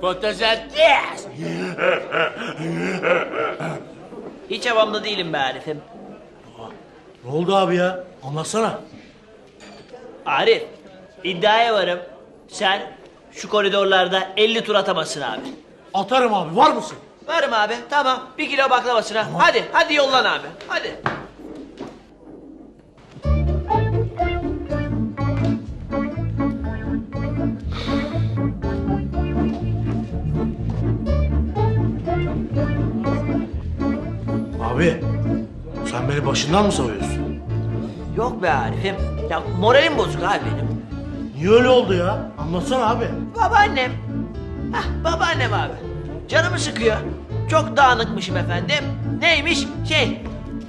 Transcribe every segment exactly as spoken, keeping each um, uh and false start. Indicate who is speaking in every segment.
Speaker 1: Fotosentez.
Speaker 2: Hiç havamda değilim be Arif'im.
Speaker 3: Ne oldu abi ya? Anlatsana.
Speaker 2: Arif, iddiaya varım. Sen şu koridorlarda elli tur atamazsın abi.
Speaker 3: Atarım abi, var mısın?
Speaker 2: Varım abi, tamam. Bir kilo baklavasına. Hadi, hadi yollan abi. Hadi.
Speaker 3: Abi, sen beni başından mı savuyorsun?
Speaker 2: Yok be Arif'im. Ya moralim bozuk abi benim.
Speaker 3: Niye öyle oldu ya? Anlatsana abi.
Speaker 2: Babaannem. Hah, babaannem abi. Canımı sıkıyor. Çok dağınıkmışım efendim. Neymiş? Şey.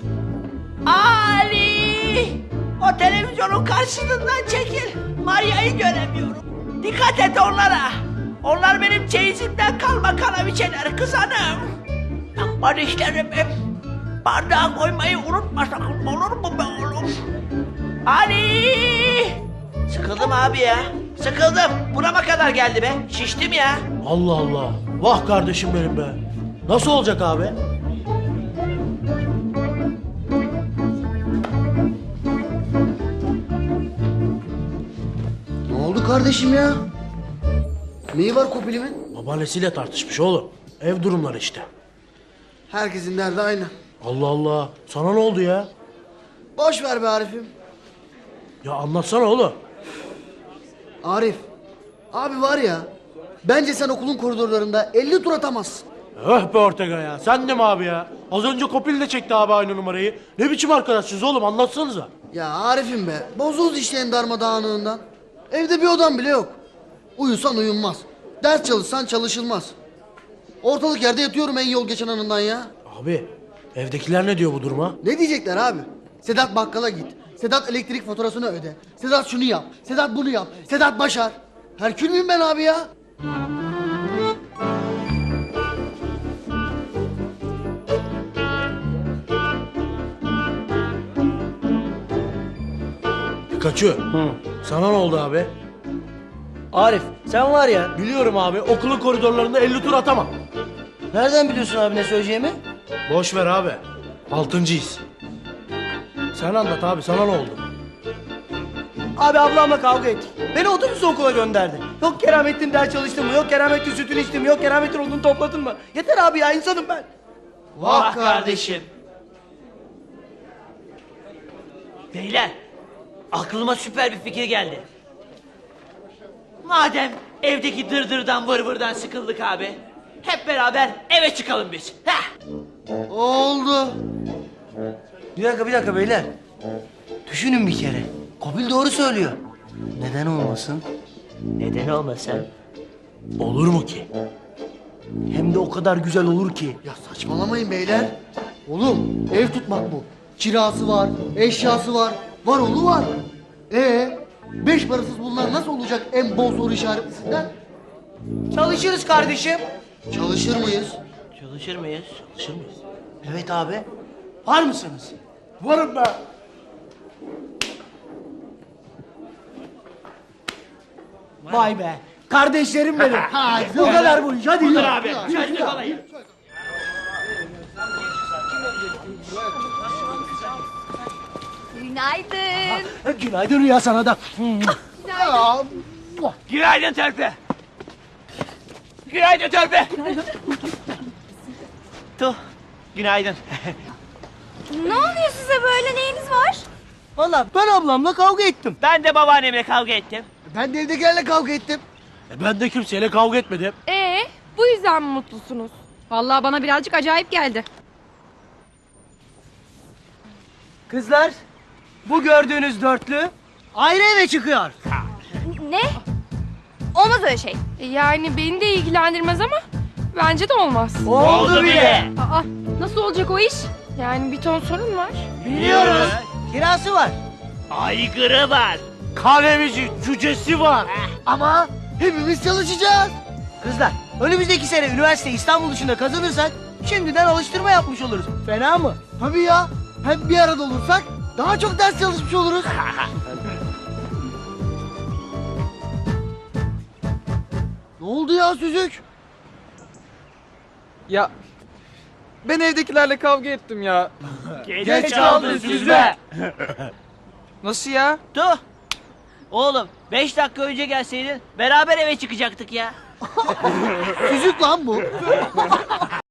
Speaker 2: Ali! O televizyonun karşısından çekil. Maria'yı göremiyorum. Dikkat et onlara. Onlar benim çeyizimden kalma kanaviçeler kız hanım. Aman işlerimi. Bardağa koymayı unutma sakın, olur mu be oğlum? Ali! Sıkıldım abi ya. Sıkıldım. Burama kadar geldi be. Şiştim ya.
Speaker 3: Allah Allah. Vah kardeşim benim be. Nasıl olacak abi?
Speaker 4: Ne oldu kardeşim ya? Neyi var Kopil'imin?
Speaker 3: Babaannesiyle tartışmış oğlum. Ev durumları işte.
Speaker 4: Herkesin derdi aynı.
Speaker 3: Allah Allah. Sana ne oldu ya?
Speaker 4: Boş ver be Arif'im.
Speaker 3: Ya anlatsana oğlum.
Speaker 4: Arif, abi var ya, bence sen okulun koridorlarında elli tur atamazsın.
Speaker 3: Öh be Ortega ya. Sen de mi abi ya? Az önce Kopil de çekti abi aynı numarayı. Ne biçim arkadaşsınız oğlum, anlatsanıza.
Speaker 4: Ya Arif'im be, bozuldu işte en darmadağınlığından. Evde bir odan bile yok. Uyusan uyunmaz. Ders çalışsan çalışılmaz. Ortalık yerde yatıyorum en yol geçen anından ya.
Speaker 3: Abi, evdekiler ne diyor bu duruma?
Speaker 4: Ne diyecekler abi? Sedat bakkala git. Sedat elektrik faturasını öde. Sedat şunu yap. Sedat bunu yap. Sedat başar. Herkül müyüm ben abi ya?
Speaker 3: Pikachu. Sana ne oldu abi?
Speaker 5: Arif sen var ya,
Speaker 3: Biliyorum abi, okulun koridorlarında elli tur atamam.
Speaker 5: nereden biliyorsun abi ne söyleyeceğimi?
Speaker 3: Boş ver abi. Altıncıyız. Sen anlat abi, sana ne oldu?
Speaker 5: Abi ablamla kavga ettik. Beni otobüsle okula gönderdi. Yok Keramettin ders çalıştın mı? Yok Keramettin sütünü içtin mi? Yok Keramettin odunu topladın mı? Yeter abi ya, insanım ben.
Speaker 2: Vah kardeşim. Beyler, aklıma süper bir fikir geldi. Madem evdeki dırdırdan vır vırdan sıkıldık abi, hep beraber eve çıkalım biz. Heh.
Speaker 4: Oldu.
Speaker 5: Bir dakika bir dakika beyler. Düşünün bir kere. Kopil doğru söylüyor. Neden olmasın?
Speaker 2: Neden olmasın?
Speaker 3: Olur mu ki?
Speaker 5: Hem de o kadar güzel olur ki.
Speaker 4: Ya saçmalamayın beyler. Oğlum ev tutmak bu. Kirası var, eşyası var, var oğlu var. Ee, beş parasız bunlar nasıl olacak en bol soru işaretlisinden?
Speaker 5: Çalışırız kardeşim.
Speaker 4: Çalışır mıyız?
Speaker 2: Çalışır mıyız?
Speaker 3: Çalışır mıyız?
Speaker 5: Evet abi. Var mısınız?
Speaker 3: Varım ben.
Speaker 5: Vay be. Kardeşlerim benim. Bu kadar bu iş. Hadi yürü.
Speaker 2: Abi, hadi kalayım.
Speaker 6: Günaydın.
Speaker 5: Günaydın Rüya sana da.
Speaker 2: Günaydın Törpe. Günaydın Törpe. Tuh, günaydın.
Speaker 6: Ne oluyor size böyle, neyiniz var?
Speaker 5: Valla ben ablamla kavga ettim.
Speaker 2: Ben de babaannemle kavga ettim.
Speaker 4: Ben de evdekilerle kavga ettim.
Speaker 3: E ben de kimseyle kavga etmedim.
Speaker 7: Ee, bu yüzden mi mutlusunuz? Vallahi bana birazcık acayip geldi.
Speaker 5: Kızlar, bu gördüğünüz dörtlü ayrı eve çıkıyor.
Speaker 6: Ne? Olmaz öyle şey.
Speaker 7: E, Yani beni de ilgilendirmez ama bence de olmaz.
Speaker 5: Oldu bile.
Speaker 7: Aa, nasıl olacak o iş? Yani bir ton sorun var.
Speaker 5: Biliyoruz. Kirası var.
Speaker 2: Aygırı var.
Speaker 3: Kahvemici, cücesi var.
Speaker 4: Ama hepimiz çalışacağız.
Speaker 5: Kızlar, önümüzdeki sene üniversite İstanbul dışında kazanırsak şimdiden alıştırma yapmış oluruz. Fena mı?
Speaker 4: Tabii ya. Hem bir arada olursak daha çok ders çalışmış oluruz. Ne oldu ya Süzük?
Speaker 1: Ya ben evdekilerle kavga ettim ya.
Speaker 2: Geç kaldın süzme.
Speaker 1: Nasıl ya?
Speaker 2: Tuh. Oğlum beş dakika önce gelseydin beraber eve çıkacaktık ya.
Speaker 4: Süzük lan bu.